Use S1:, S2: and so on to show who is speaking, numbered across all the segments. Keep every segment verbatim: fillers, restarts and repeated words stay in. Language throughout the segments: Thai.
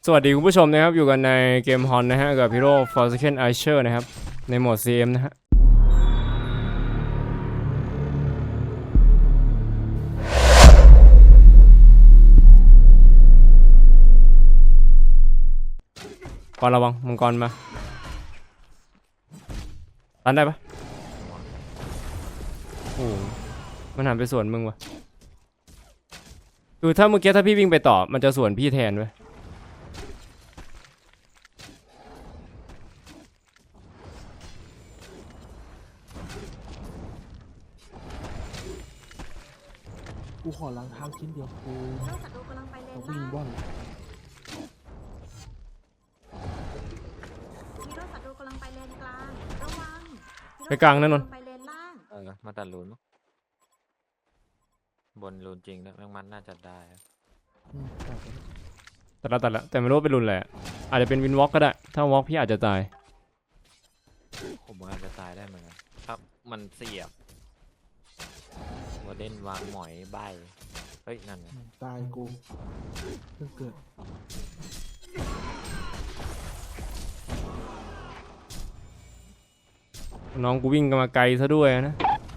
S1: สวัสดีคุณผู้ชมนะครับอยู่กันในเกมฮอนนะฮะกับฮีโร่ Forsaken Archer นะครับในโหมด ซี เอ็ม นะฮะก่อนระวังมังกรมาตันได้ปะโอ้มันหันไปสวนมึงวะคือถ้าเมื่อกี้ถ้าพี่วิ่งไปต่อมันจะสวนพี่แทนเว้ย
S2: กูขอล้างเท้าชิ้นเดียวกู
S3: เจ้าศัตรูกำลังไปเลน
S2: จะวิ่ง
S3: ล่าง
S2: บ้อน
S3: ฮีโร่ศัตรูกำลังไปเลนกลางระวัง
S1: ไปกลางนั่นนน
S3: ไปเลนล่าง
S4: เออมาตัดรูนมั้งบนรูนจริงนะแมงมันน่าจะได้อะ
S2: อืมตัดไป
S1: ตัดละตัดละแต่ไม่รู้ว่าเป็นรุนแหละอาจจะเป็นวินวอล์กก็ได้ถ้าวอล์กพี่อาจจะตาย
S4: ผมว่าจะตายได้เหมือนกันครับมันเสียบวอเดนวางหมอยใบเฮ้ยนั่นไง
S2: อืมตายกูเพิ่งเกิด
S1: น้องกูวิ่งกันมาไกลซะด้วยนะ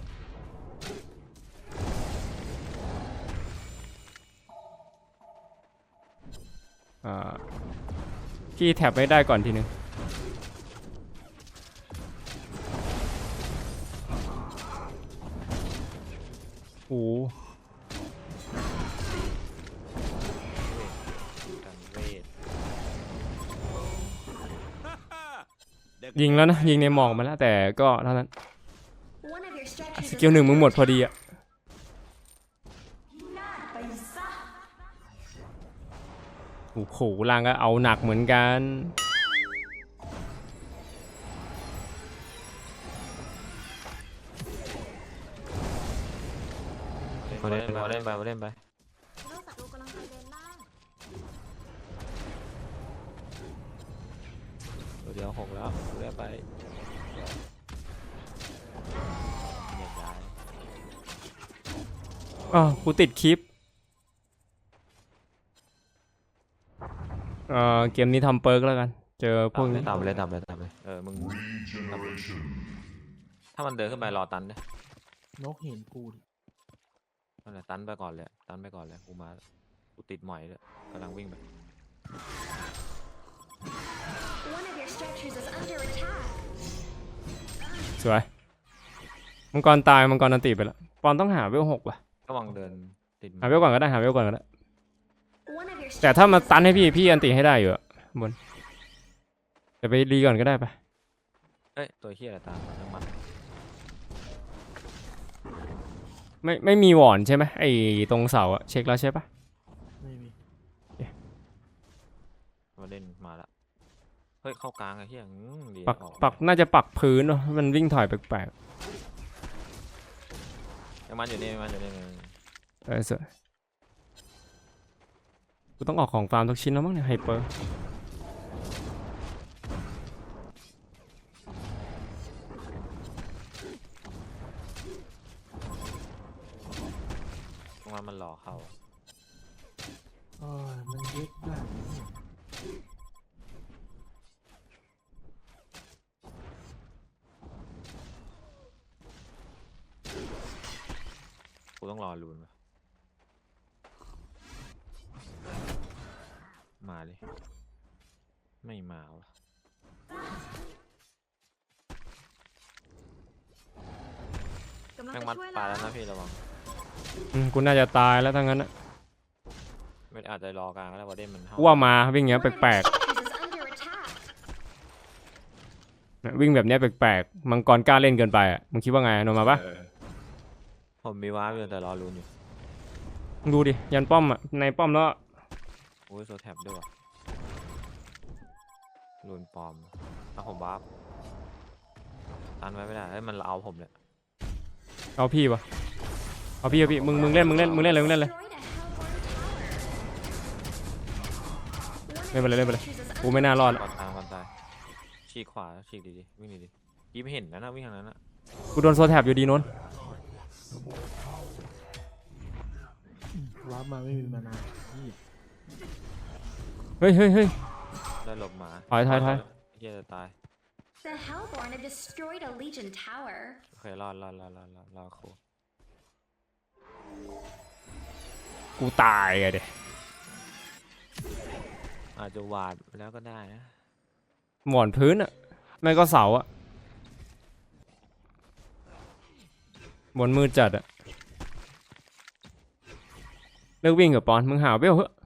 S1: อ่าพี่แท็บไม่ได้ก่อนทีนึงโอ้
S4: กันเวท
S1: ยิงแล้วนะยิงในหมอกมาแล้วแต่ก็เท่านั้นสกิลหนึ่งมึงหมดพอดีอะโอ้โหล่างก็เอาหนักเหมือนกัน
S4: วอเดนไปวอเดนไปวอเดนไป
S3: ฮีโร่ศัตรูกำลังไปเลนล่าง
S4: ตัวเดียวหกแล้วเรียบไปเหยียดย้าย
S1: อ๋อกูติดคลิปเอ่อเกมนี้ทำเปิร์กแล้วกันเจอพ
S4: ต่
S1: วก
S4: ำเล
S1: นี้
S4: ยต่ำเลยต่ำเลยต่ำเลยเออมึงต่ำเลยถ้ามันเดินขึ้นไปรอตันเนี่ย
S2: นกเห็นกูดิ
S4: นั่นแหละตันไปก่อนเลยตันไปก่อนเลยกูมากูติดหมอยเลยกำลังวิ่งไป
S1: สวยมังกรตายมังกรนันติไปแล้วปอนต้องหาเวลหกว่ะ
S4: ระวังเดินติด
S1: หาเวลก่อนก็ได้หาเวลก่อนก็ได้แต่ถ้ามาตันให้พี่พี่อันติให้ได้อยู่อะบนแต่ไปรีก่อนก็ได้ปะ
S4: เอ้ยตัวเฮียอะไรตามมาน้ำมัน
S1: ไม่ไม่มีหวอนใช่ไหมไอตรงเสาอะเช็คแล้วใช่ปะ
S2: ไม่มี
S4: มาเล่นมาละเฮ้ยเข้ากลางไอ้เฮียอืมดี
S1: ปัก
S4: ออก
S1: ปักน่าจะปักพื้นเนอะมันวิ่งถอยแปลก
S4: ยังมันอยู่นี่ยังมันอยู่นี่
S1: ๆเออสวยกูต้องออกของฟาร์มทุกชิ้นแล้วมั้งเนี่ยไฮเปอร์
S4: ตรงนั้นมันหล่อเข้า
S2: เอ้ยมันเย็ดได้เนี่ย
S4: กูต้องรอลูนวะมาเลยไม่มาวะ
S3: กำลัง
S4: แม่ง
S3: ไป
S4: มัด
S3: ช่วย
S4: ปลา
S3: แล้
S4: แล้ว วนะพี่ระวัง
S1: อืมกูน่าจะตายแล้วทั้งนั้นอะ
S4: ไม่อาจจะรอกลางก็ได้วอเดนมันเข้า
S1: กูว่ามาวิ่งอย่างเงี้ยแปลกๆเนี่ยวิ่งแบบเนี้ยแปลกๆมังกรกล้าเล่นเกินไปอะมึงคิดว่าไงโนมาปะ
S4: เออผมมีว้าร์ปอยู่แต่รอลูนอยู่
S1: มึงดูดิยันป้อมอะในป้อมแล้ว
S4: โอ้ยโซแท็บด้วยวะลูนปลอมเอาผมว้าร์ปตันไว้ไม่ได้เฮ้ยมันเอาผมเลย
S1: เอาพี่ปะเอาพี่เอาพี่มึงมึงเล่นมึงเล่นมึงเล่นเลยมึงเล่นเลยเล่นไปเลยเล่นไปเลยกูไม่น่ารอดละ
S4: ก่อนตายก่อนตายฉีกขวาฉีกดีๆวิ่งดีๆยี่ไม่เห็นนะนะวิ่งทางนั้นนะ
S1: กูโดนโซแท็บอยู่ดีโน้น
S2: อืมวาร์ปมาไม่มีมานานนี่
S1: เฮ้ยเฮ้ยเฮ้ย
S4: ได้หลบหมา
S1: ถอยถอยถอย
S4: เฮียจะตาย
S3: The Hellborn have destroyed a Legion tower.
S4: โอเครอดรอดรอดรอดรอดรอดครู
S1: กูตายไงเด็
S4: อาจจะหวาดแล้วก็ได้นะ
S1: หมอนพื้นอะไม่ก็เสาอะบนมือจัดอะเลิกวิ่งกับปอนมึงหาเวลเหอะ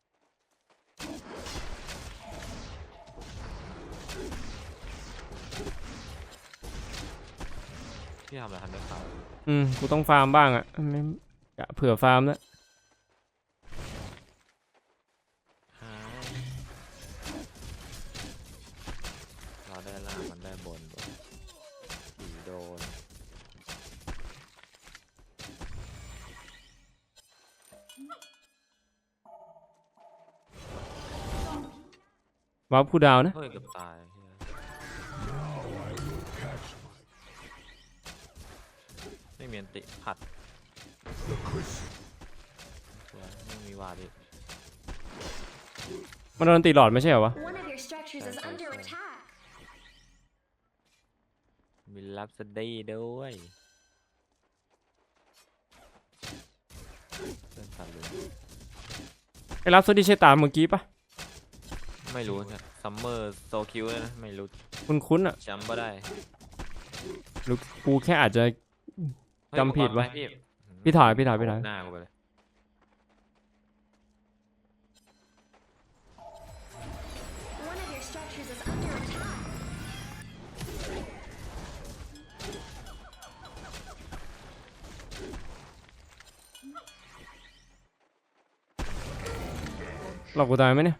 S4: พี่ทำอะไรทันได้ข่าว
S1: อืมกูต้องฟาร์มบ้างอะไม่กะเผื่อฟาร์มแล้ว
S4: หายเราได้ล่างมันได้บนผีโดน
S1: ว้าวผู้ดาวนะ
S4: เฮ้ยเกือบตายเหี้ยไม่มีอันติผัดสวยไม่มีวาดิ
S1: มันโดนตีหลอดไม่ใช่เหรอวะ
S3: One of your structures is
S4: Sorry,
S3: under
S4: sorry, sorry.
S3: attack.
S4: มีลับสดีด้วยเพื่อนสัตว์เลย
S1: ไอ้รับโซดีใช่ตามเมื่อกี้ปะ
S4: ไม่รู้นะซัมเมอร์โซคิวเลยนะไม่รู้
S1: คุณคุ้นๆอะ
S4: จำไม่ได้
S1: หรือกูแค่อาจจะ
S4: เฮ้ย
S1: จำผิดวะ
S4: ผมว่าไหมพี่
S1: พี่ถอยพี่ถอยพี่ถอย
S4: หน้ากูไปเลย
S3: One of your structures is under attack.
S1: หลอกกูตายไหมเนี่ย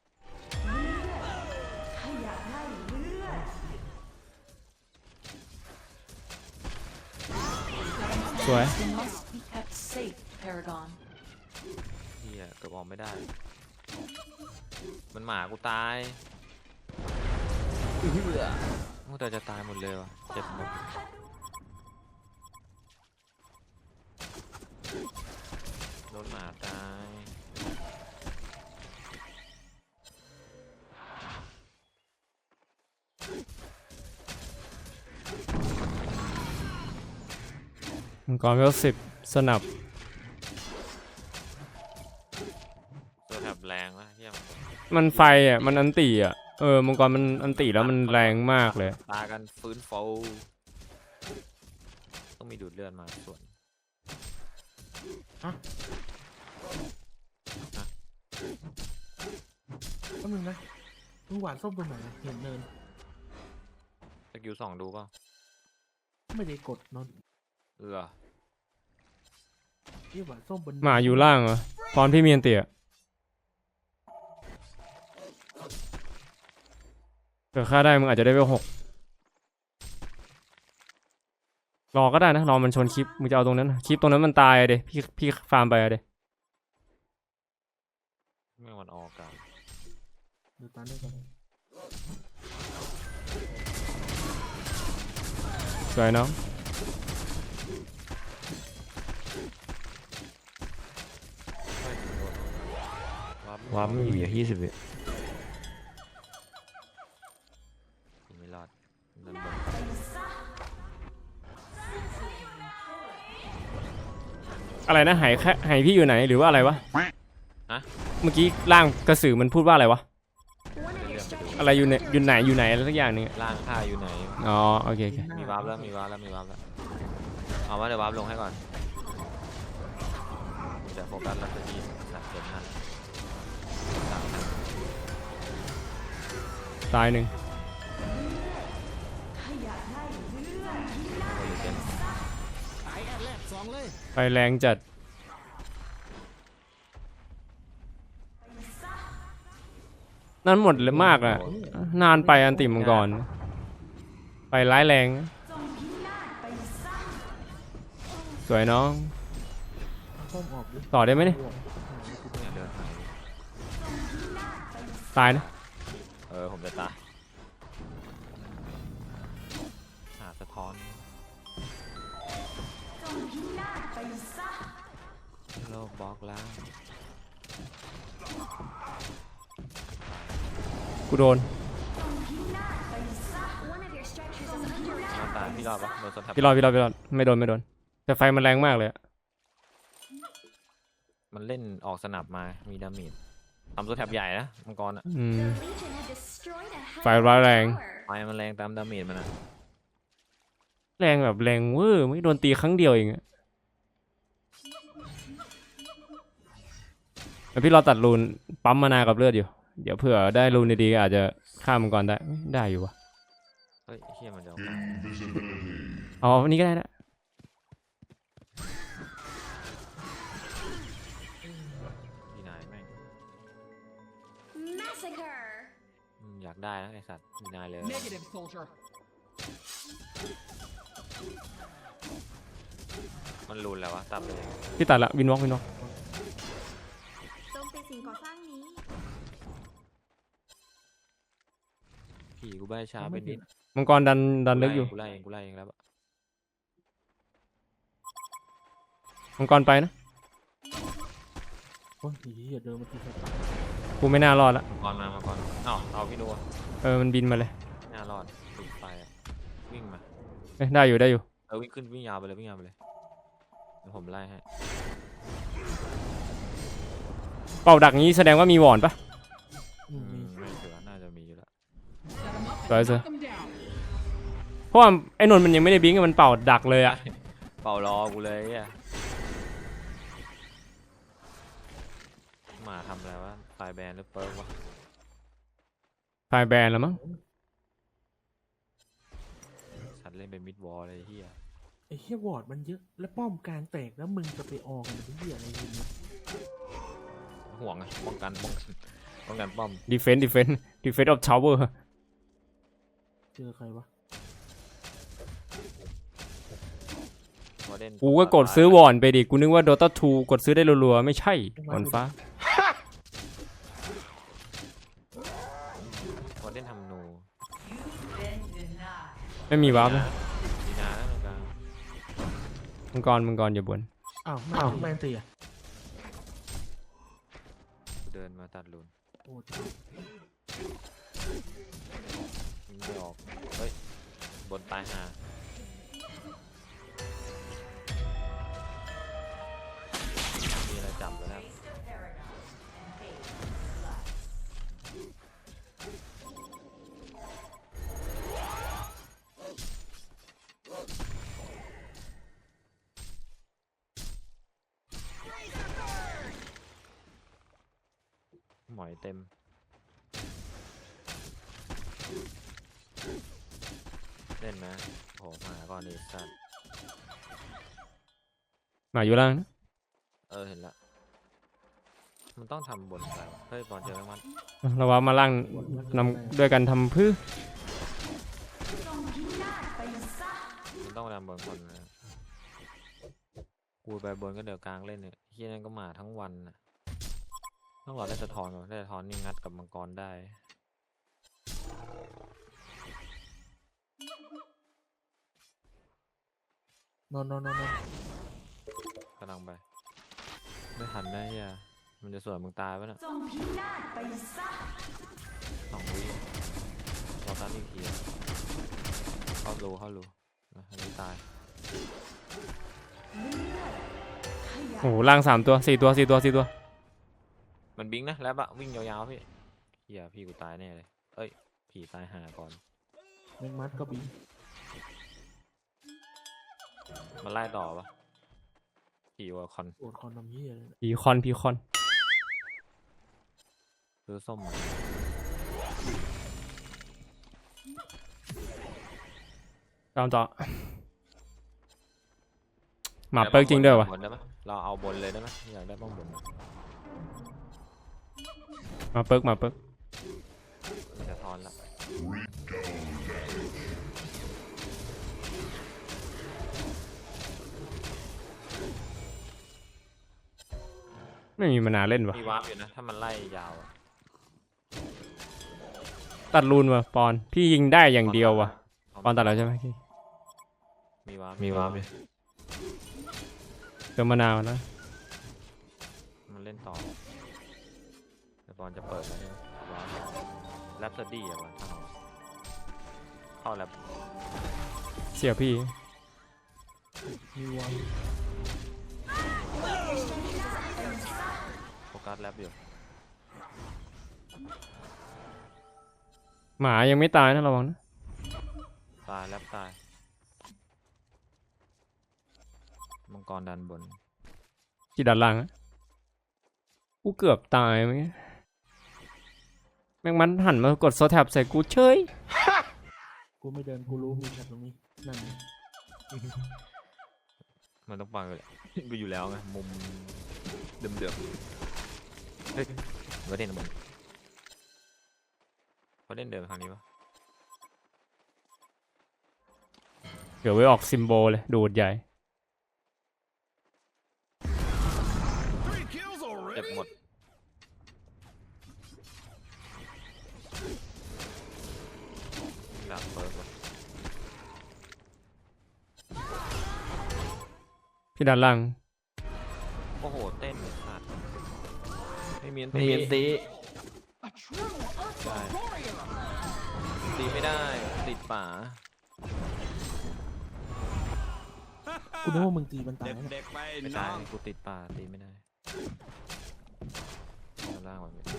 S1: สวย
S5: You must be kept safe, Paragon.
S4: เฮียเกือบออกไม่ได้ มันหมากูตายเอื้อโอ้แต่จะตายหมดเลยวะเจ็บหมดโดนหมาตาย
S1: มังกรเวลสิบสนับ
S4: ตัวแถบแรงนะเฮีย
S1: มันไฟอ่ะมันอันติอ่ะเออมังกรมันอันติแล้วมันแรงมากเลย
S4: ตากันฟื้นฟูต้องมีดูดเลือดมาส่วน
S2: แป๊บนึงนะมึงหวานส้มตรงไหนอะเห็นเนิน
S4: สกิลสองดูเปล่า
S2: ไม่ได้กดนน
S4: เออ
S2: ที่หวานส้มบน
S1: หมาอยู่ล่างเหรอพรพี่เมียนเตี่ยเกิดฆ่าได้มึงอาจจะได้เวลหกรอก็ได้นะรอมันชนคลิปมึงจะเอาตรงนั้นนะคลิปตรงนั้นมันตายอะเดพี่พี่ฟาร์มไปอะเด
S4: ไม่วันออกกัน
S2: ดูตาด้วยกัน
S1: สวยน้อง
S4: ว้าไม่อยู่ยี่สิบวิไม่รอดนั่นบน
S1: อะไรนะหายแค่หายพี่อยู่ไหนหรือว่าอะไรวะ
S4: ฮะ
S1: เมื่อกี้ร่างกระสือมันพูดว่าอะไรวะ
S3: One of your structures
S1: อะไรอยู่ใน
S3: is
S1: อยู่ไหน
S3: under
S1: อยู่ไหนอะไรสักอย่างหนึงอะ
S4: ล่างข้าอยู่ไหน
S1: อ๋อโอเคโอเค
S4: มีวาร์ปแล้วมีวาร์ปแล้วมีวาร์ปแล้วเอาว่าเดี๋ยววาร์ปลงให้ก่อนเดี๋ยวโฟกัสลักษณะสัตว์เจ็บนั่นสามนัด
S1: ตายหนึ่ง
S4: โอลิเจน
S1: ไฟแรงจัดนั่นหมดเลยมากอะนานไปอันติมังกรไปร้ายแรงสวยน้อง
S2: ส้มออกดิ
S1: ต่อได้ไหมเนี่ย
S4: เนี่ยเดินหาย
S1: ตายนะ
S4: เออผมจะตายหาสะท้อนโลกบล็อกแล้ว
S1: กูโดน
S3: One of your structures is under
S4: น้
S3: attack.
S4: ตายพี่รอดปะโดนสแตป
S1: พี่รอดพี่รอดพี่รอดไม่โดนไม่โดนแต่ไฟมันแรงมากเลยอะ
S4: มันเล่นออกสนับมามีดาเมจทำตัวแถบใหญ่นะมังกรอะ
S1: อืม
S3: The Legion have destroyed a
S1: ไฟร้ายแรง
S3: tower.
S4: ไฟมันแรงตามดาเมจมันอะ
S1: แรงแบบแรงเวอร์ไม่โดนตีครั้งเดียวเองอะแล้วพี่รอตัดรูนปั๊มมานากับเลือดอยู่เดี๋ยวเผื่อได้รูนดีๆก็อาจจะฆ่ามันก่อนได้ได้อยู่วะ
S4: เฮ้ยไอ้เฮียมันจะเอากลาง
S1: เอาอันนี้ก็ได้นะ
S4: พี่นายแม่ง
S3: Massacre.
S4: อืมอยากได้นะไอสัตว์พี่นายเลย
S5: Negative, soldier.
S4: มันรุนแล้ววะตับเลย
S1: พี่ตัดละวินวอล์กวินวอล์ก
S3: โจมตีสิ่งก่อสร้างนี้
S4: พี่กูใบช้าไปนิด
S1: มังกรดันดันลึกอยู่
S4: กูไล่เองกูไล่เองแล้วอะ
S1: มังกรไปนะ
S2: โอ้ยเหี้ยเดินมาทีสัตว์
S1: กูไม่น่ารอดละ
S4: มังกรมามังกรอ้าวเอาพี่ดูอะ
S1: เออมันบินมาเลย
S4: ไม่น่ารอดติดไฟอะวิ่งมา
S1: เอ้ยได้อยู่ได้อยู่
S4: เออวิ่งขึ้นวิ่งยาวไปเลยวิ่งยาวไปเลยเดี๋ยวผมไล่ให้
S1: เป่าดักนี้แสดงว่ามีวอนปะ
S2: อื
S4: อื
S2: ม
S4: มไม่เสือน่าจะมีอยู่แล้ว
S5: Set him up and
S1: Right, sir.
S5: knock him down.
S1: เพราะว่าไอ้นนท์มันยังไม่ได้บิงก์มันเป่าดักเลยอะ
S4: เป่ารอกูเลยอ่ะหมาทำอะไรวะไฟแบนหรือเปิร์กวะ
S1: ไฟแบนแล้วมั้ง
S4: สัตว์เล่นเป็นมิดวอลเลยไอ้เฮีย
S2: ไอ้เหี้ยวอร์ดมันเยอะแล้วป้อมกลางแตกแล้วมึงจะไปออกกันเป็นเหี้ยอะไรอย่างเงี้ย
S4: ห่วงไงป้องกันป้องกันป้องกันป้อม
S1: ดีเฟนต์ดีเฟนต์ดีเฟนต์ออฟทาวเวอร์
S2: เจอใครวะ
S4: วอร์เดน
S1: กูก็กดซื้อวอนไปดิกูนึกว่า Dota ทูกดซื้อได้รัวๆไม่ใช่วอนฟ้าว
S4: อร์เดนทำนู
S1: ไม่มีวาร์ปนะ
S4: ดีนาแล้วกลาง
S1: มังกรมังกรอย่าบ่น
S2: อ้าวไม่เอาแมนตีอ่ะ
S4: กูเดินมาตัดลุน
S2: โอ้
S4: ยิงไม่ออกเฮ้ยบนตายหามีอะไรจับแล้วนะครับหมอยเต็มเล่นนะโหมาก่อนดีสัตว์
S1: หมาอยู่ล่างนะ
S4: เออเห็นละมันต้องทำบนไปวะเฮ้ยบอลเจอแมงมัน
S1: เราว่ามาล่างนำด้วยกันทำพื้อ
S4: มันต้องไปทำบนคนนะกูไปบนก็เดี๋ยวกลางเล่นเนี่ยเฮียนั่นก็มาทั้งวันนะต้องรอได้สะท้อนก่อนได้สะท้อนนี่งัดกับมังกรได้
S2: นอนนอนนอนนอน
S4: กำลังไปไม่ทันได้เฮียมันจะสวนมึงตายปะน่ะสองวิรอตันอีกทีอะเข้ารูเข้ารูนะอันนี้ตาย
S1: โอ้โหล่างสามตัวสี่ตัวสี่ตัวสี่ตัว
S4: มันบิงนะแล้วบะวิ่งยาวๆพี่เฮียพี่กูตายแน่เลยเอ้ยผีตายหาก่อน
S2: แมงมัดก็บิน
S4: มันไล่ต่อปะผีวอลคอน
S2: โอดคอนทำเหี้ยเลยนะ
S1: พีคอนพีคอน
S4: ซื้อส้มมา
S1: ตามต่อหมาเปิร์กจริงด้วยวะ
S4: บนได้ไหมเราเอาบนเลยได้ไหมอยากได้ป้องบน
S1: หมาเปิร์กหมาเปิร์ก
S4: มันจะทอนละ
S1: ไม่มีมานาวเล่นวะ
S4: มีวาร์ปอยู่นะถ้ามันไล่ยาวอะ
S1: ตัดรูนวะปอนพี่ยิงได้อย่างเดียววะปอนตัดแล้วใช่ไหมพี่
S4: มีวาร์ปมีวาร์ปอยู่
S1: เติมมะนาวแล้ว
S4: มันเล่นต่อแต่บอลจะเปิดแล้วเนี่ยว้าวแล้วปสตี้อะวะถ้าเราเข้าแรป
S1: เสียพี่
S2: มีวอล
S4: โฟกัสแรปอยู่
S1: หมายังไม่ตายนะระวังนะ
S4: ตายแรปตายมังกรดันบน
S1: ที่ด้านล่างอะกูเกือบตายเมื่อกี้แม่งมันหันมากดโซแท็บใส่กูเฉย
S2: กูไม่เดินกูรู้มีแค่ตรงนี้นั่นไง
S4: มันต้องฟังเลยแหละ กูอยู่แล้วไงมุมเดิมๆเฮ้ยประเด็นบนประเด็นเดินไปทางนี้ปะ
S1: เดี๋ยวไว้ออกซิมโบลเลยดูดใหญ่
S4: เจ็บหมดดาบเปิดวะ
S1: พี่ด้านล่าง
S4: โอ้โหเต้นเลยขาดไม่มีอัน
S2: ไม่มีอันตี
S5: A true Ursa warrior.
S4: ตีไม่ได้ติดป่า
S2: กูนึกว่ามึงตีมันตายนะ
S6: เด็กๆไป
S4: ไม่
S6: น้
S4: ได้
S6: อง
S4: กูติดป่าตีไม่ได้ด้านล่างแบบนี้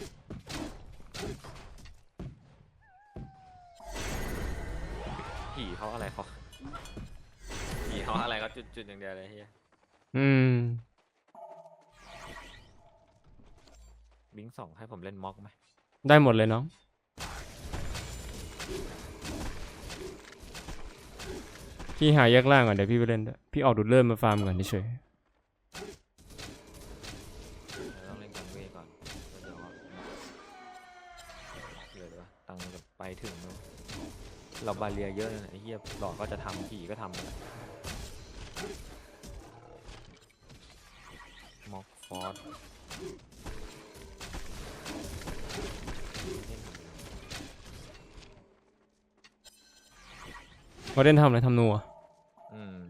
S4: ผีเขาอะไรเขาผีเขาอะไรเขาจุดๆอย่างเดียวเลยเฮีย
S1: อืม
S4: บิงสองให้ผมเล่นม็อกไหม
S1: ได้หมดเลยน้องพี่หาแยกล่างก่อนเดี๋ยวพี่ไปเล่นด้วยพี่ออกดูดเริ่มมาฟาร์มก่อนเฉย
S4: เราต้องเล่นกันเวก่อนแล้วเดี๋ยวเหลือวะตังค์จะไปถึงแล้วเราบาเรียเยอะเลยนะไอ้เหี้ยหลอกก็จะทำผีก็ทำหมดอะม็อกฟอร์ส
S1: ๆเขาเล่นทำอะไรทำนัว
S4: อืม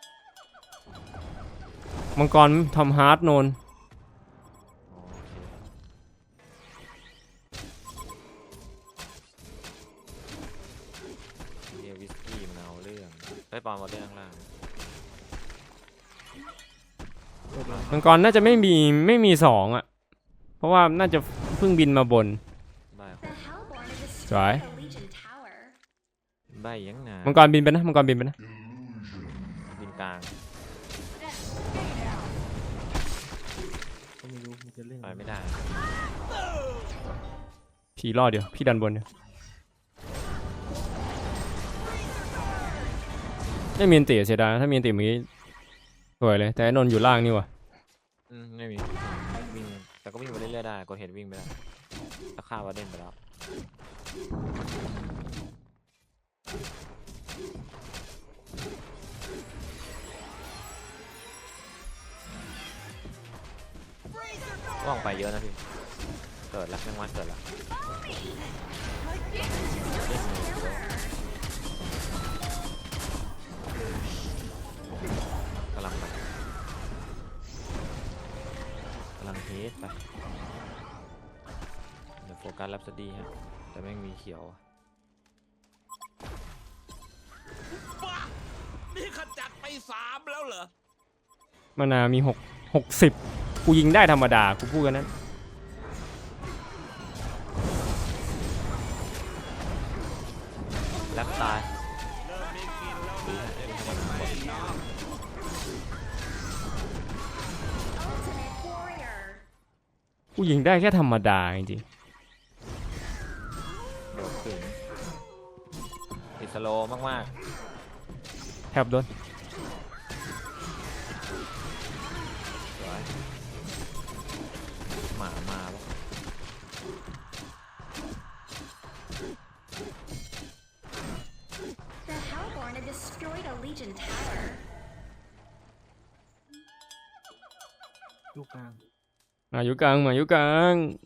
S1: มังกรทำฮาร์ดโนน
S4: โอเคเฮียวิสกี้มันเอาเรื่องได้ปอนมาเล่นข้างล่าง
S1: มังกรน่าจะไม่มีไม่มีสองอ่ะเพราะว่าน่าจะเพิ่งบินมาบน
S4: ได้ค
S3: The
S4: รับ
S3: Hellborn have
S1: Sorry.
S3: destroyed the Legion Tower.
S4: ได้ยังไง
S1: มังกรบินไปนะมังกรบินไปนะ
S4: บินกลาง
S2: ก็ไม่รู้มึงจะเล่น
S4: ไปไม่ได้
S1: ผีรอดเดี๋ยวพี่ดันบนเดี๋ยวไม่มีอันติเสียดายนะถ้ามีอันติเมื่อกี้สวยเลยแต่ไอ้นนท์อยู่ล่างนี่ว่ะ
S4: อืมไม่มีวิ่งแต่ก็วิ่งไปเรื่อยๆได้กดเห็นวิ่งไปได้ถ้าฆ่าวาเด่นไปแล้วว่างไปเยอะนะพี่เกิดแล้วแมงวันเกิดแล้วกำลังไปกำลังเฮดไปเดี๋ยวโฟกัสแรปสตี้ฮะแต่แม่งมีเขียวอะ
S6: บ้านี่ขจัดไปสามแล้วเหรอ
S1: มานามีหกหกสิบกูยิงได้ธรรมดากูพูดกันนั้น
S4: แรปตาย
S6: เริ่มมีกินแล้ว
S4: ดี
S6: นะ
S4: ฮะ
S6: เด็
S4: เล่น
S6: ก
S4: ให้มันหมด
S6: ๆไปน้อง
S3: Ultimate warrior.
S1: กูยิงได้แค่ธรรมดาจริง
S4: โดดขึ้นติดสโลว์มาก
S1: ๆแทบโดน
S4: ๆสวยหมามาปะ
S3: The Hellborn have destroyed a Legion Tower.
S2: ลูกกลาง
S1: มาอยู่กลางมาอยู่กลาง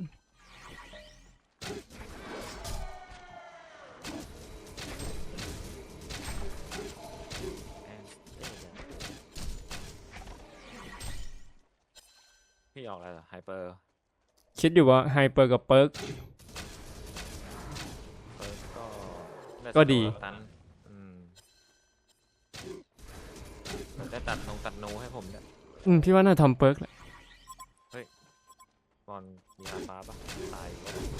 S4: พี่ออกอะไรเหรอไฮเปอร์
S1: คิดอยู่ว่าไฮเปอร์กับเปิร์กก็ดี
S4: สโลว์ตันอืมได้ตัดนงตัดนูให้ผมเนี่ย
S1: อืมพี่ว่าน่าทำเปิร์กแหละ
S4: บอลมีอาฟ้าปะตายอีกแล้ว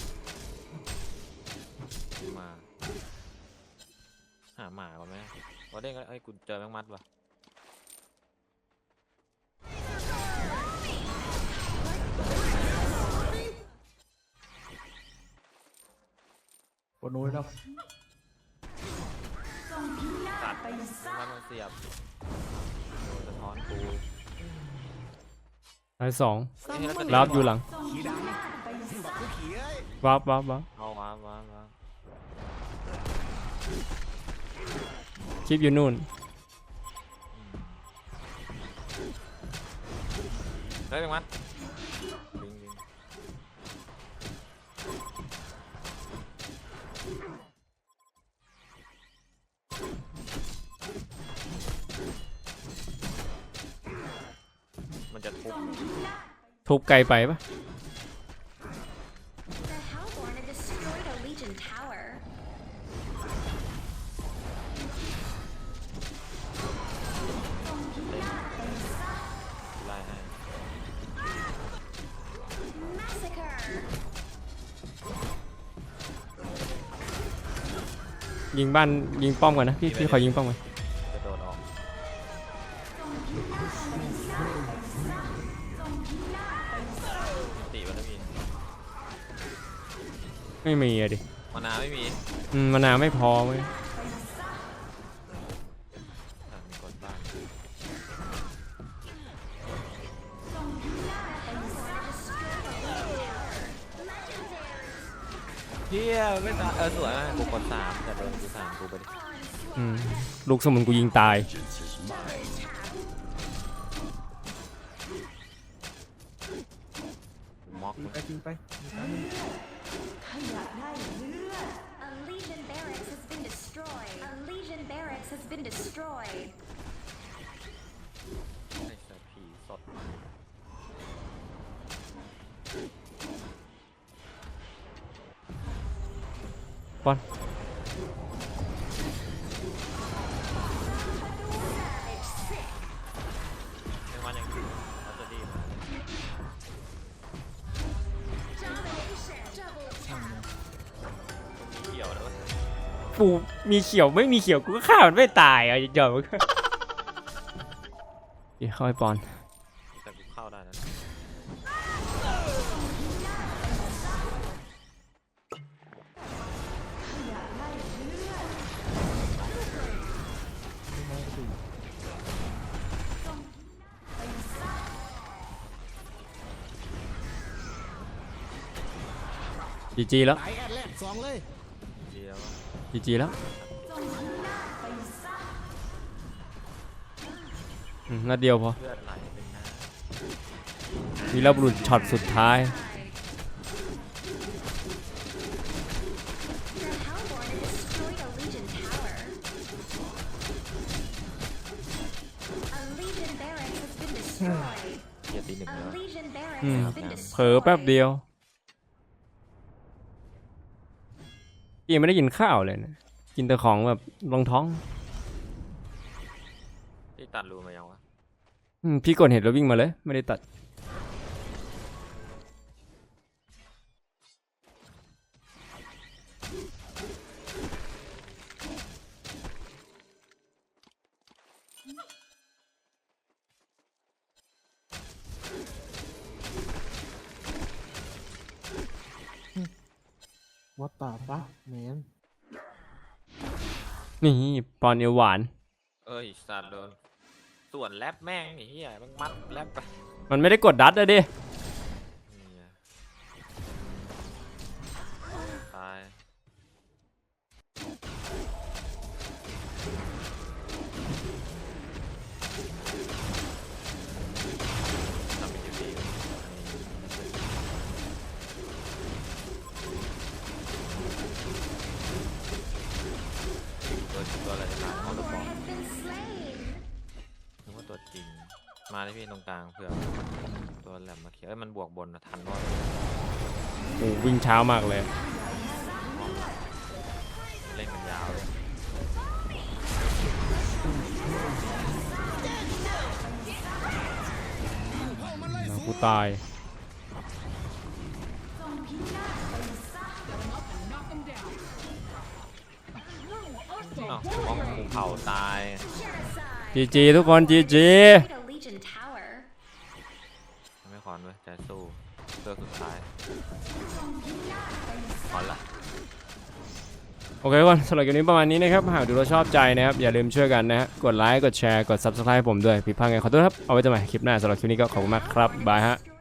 S4: มา หาหมาก่อนไหมวอเด้งก็เอ้ยกูเจอแมงมัดว่ะ
S2: ปนโน้ยแล้ว
S4: ตัดแมงมัดมาเสียบโดนสะท้อนกู
S1: ตายสอง
S4: เอ้ยแล้วจะ
S1: รับอยู่หลัง
S6: ขี่ดำบักกูขี่เอ้ย
S1: วับวับวับ
S4: เอาว้าว้าว้า
S1: คลิปอยู่นู่น
S4: เฮ้ยแมงมัดลิงลิงมันจะทุบ
S1: ทุบไกลไปปะ
S3: The Hellborn have destroyed a Legion tower.
S4: ไล่ให้
S3: Massacre.
S1: ยิงบ้านยิงป้อมก่อนนะพี่พี่ขอยิงป้อมก่อน
S4: จะโดนออกตีมันไม่มี
S1: ไม่มีอะดิ
S4: มานาไม่มี
S1: อืมมานาวไม่พอเว้ย
S4: อ่ะมีกดบ้าน เฮียไม่ตายเออสวยมากกูกดสามแต่โดนกูสามกูไปดิ
S1: อืมลูกสมุนกูยิงตาย
S4: ม็อก
S2: ตีไปตีไปมีการหนึ่ง
S3: A Legion barracks has been destroyed. A Legion barracks has been destroyed.
S4: ไอ้เสือผีสด
S1: บอล
S4: ไม่ว่ายังเขาจะดีมา
S3: Domination. Double tap.
S4: มีเกี่ยวแล้ววะ
S1: กูมีเขียวไม่มีเขียวกูก็ฆ่ามันไม่ตายอ่ะอย่ามันก็เดี๋ยวเข้าไปปอน
S4: แต่กูเข้าได้นะ
S2: ไม่มาก็ตี
S1: จีจีแล้ว
S6: ไหลแอดแรกสองเลย
S4: เดียววะ
S1: จีจีแล้วอืมนัดเดียวพอ
S4: เลือดไหลเป็นน้ำ
S1: วีรบุรุษช็อตสุดท้าย
S3: The Hellborn have destroyed a Legion tower. A Legion barracks has been destroyed.
S4: เกียร์ตีหนึ่ง
S3: A
S4: แล้ว
S3: Legion barracks
S1: Hmm.
S3: has been
S1: เผลอแป๊บ
S3: destroyed.
S1: เดียวพี่ยังไม่ได้กินข้าวเลยนะกินแต่ของแบบรองท้อง
S4: ที่ตัดรูมายังวะ
S1: อืมพี่กดเห็นแล้ววิ่งมาเลยไม่ได้ตัด
S2: วัดตาปะแมน
S1: นี่ปอนเอวหวาน
S4: เอ้ยสัตว์โดนส่วนแรปแม่งไอ้เหี้ยมันมัดแรปไป
S1: มันไม่ได้กดดัดอะดิ
S4: นี่ไงตายทำเป็นยูบีตัวตัวอะไรจะตายเขาตัวปลอม
S3: Has been slain.
S4: นึกว่าตัวจริง มาเลยพี่ตรงกลางเผื่อตัวแหลมมาเขียวเอ้ยมันบวกบนนะทันว่า
S1: โอ้วิ่งเช้ามากเลย
S4: เล่นกันยาวเลย
S1: กูตาย
S4: อ้าวมองกูเผาตาย
S1: จีจีทุกคนจีจี
S3: Destroyed a Legion tower.
S4: ไม่คอนเว้ยใจสู้เลือกสุดท้ายคอนละ
S1: โอเคทุกคนสำหรับคลิปนี้ประมาณนี้นะครับหากดูแล้วชอบใจนะครับอย่าลืมช่วยกันนะฮะกดไลค์กดแชร์กด ซับสไครบ์ ผมด้วยผิดพลาดไงขอโทษครับเอาไว้เจอกันใหม่คลิปหน้าสำหรับคลิปนี้ก็ขอบคุณมากครับบายฮะ
S3: Destroyed